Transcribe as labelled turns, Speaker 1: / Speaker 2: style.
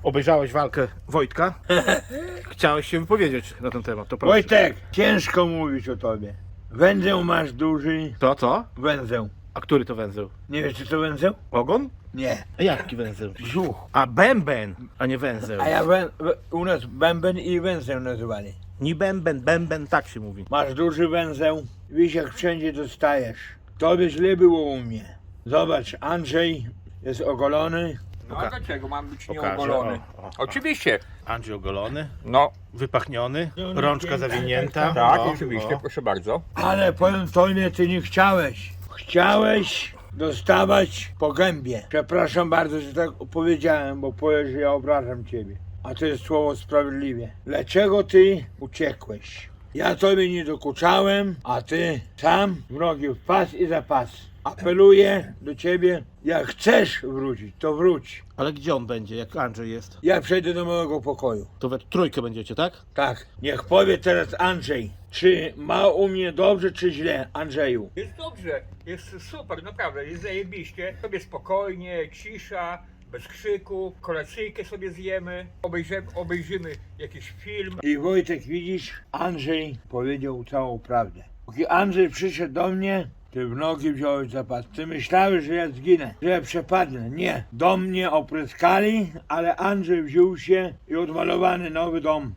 Speaker 1: Obejrzałeś walkę Wojtka. Chciałeś się wypowiedzieć na ten temat, to proszę.
Speaker 2: Wojtek, ciężko mówić o tobie. Węzeł masz duży.
Speaker 1: To co?
Speaker 2: Węzeł.
Speaker 1: A który to węzeł?
Speaker 2: Nie wiesz co to węzeł?
Speaker 1: Ogon?
Speaker 2: Nie.
Speaker 1: A jaki węzeł?
Speaker 2: Brzuch.
Speaker 1: A bęben, a nie węzeł.
Speaker 2: A ja u nas bęben i węzeł nazywali.
Speaker 1: Nie bęben, tak się mówi.
Speaker 2: Masz duży węzeł. Wiesz jak wszędzie dostajesz. Tobie źle było u mnie. Zobacz, Andrzej jest ogolony.
Speaker 3: No a dlaczego mam być
Speaker 1: Pokażę,
Speaker 3: nieogolony?
Speaker 1: o.
Speaker 3: Oczywiście.
Speaker 1: Andrzej ogolony,
Speaker 3: No,
Speaker 1: wypachniony, rączka zawinięta.
Speaker 3: tak,
Speaker 1: O,
Speaker 3: oczywiście,
Speaker 1: o.
Speaker 3: proszę bardzo.
Speaker 2: Ale powiem tobie, ty nie chciałeś. Chciałeś dostawać po gębie. Przepraszam bardzo, że tak powiedziałem, bo powiesz, że ja obrażam ciebie. A to jest słowo sprawiedliwie. Dlaczego ty uciekłeś? Ja tobie nie dokuczałem, a ty sam w nogi w pas i za pas. Apeluję do ciebie, jak chcesz wrócić, to wróć.
Speaker 1: Ale gdzie on będzie, jak Andrzej jest?
Speaker 2: Ja przejdę do mojego pokoju.
Speaker 1: To we trójkę będziecie, tak?
Speaker 2: Tak, niech powie teraz Andrzej, czy ma u mnie dobrze, czy źle, Andrzeju.
Speaker 3: Jest dobrze, jest super, naprawdę, jest zajebiście. Sobie spokojnie, cisza, bez krzyku, kolacyjkę sobie zjemy, obejrzymy jakiś film.
Speaker 2: I Wojtek, widzisz, Andrzej powiedział całą prawdę. Póki Andrzej przyszedł do mnie, ty w nogi wziąłeś zapas. Ty myślałeś, że ja zginę, że ja przepadnę. Nie. Do mnie opryskali, ale Andrzej wziął się i odmalowany nowy dom.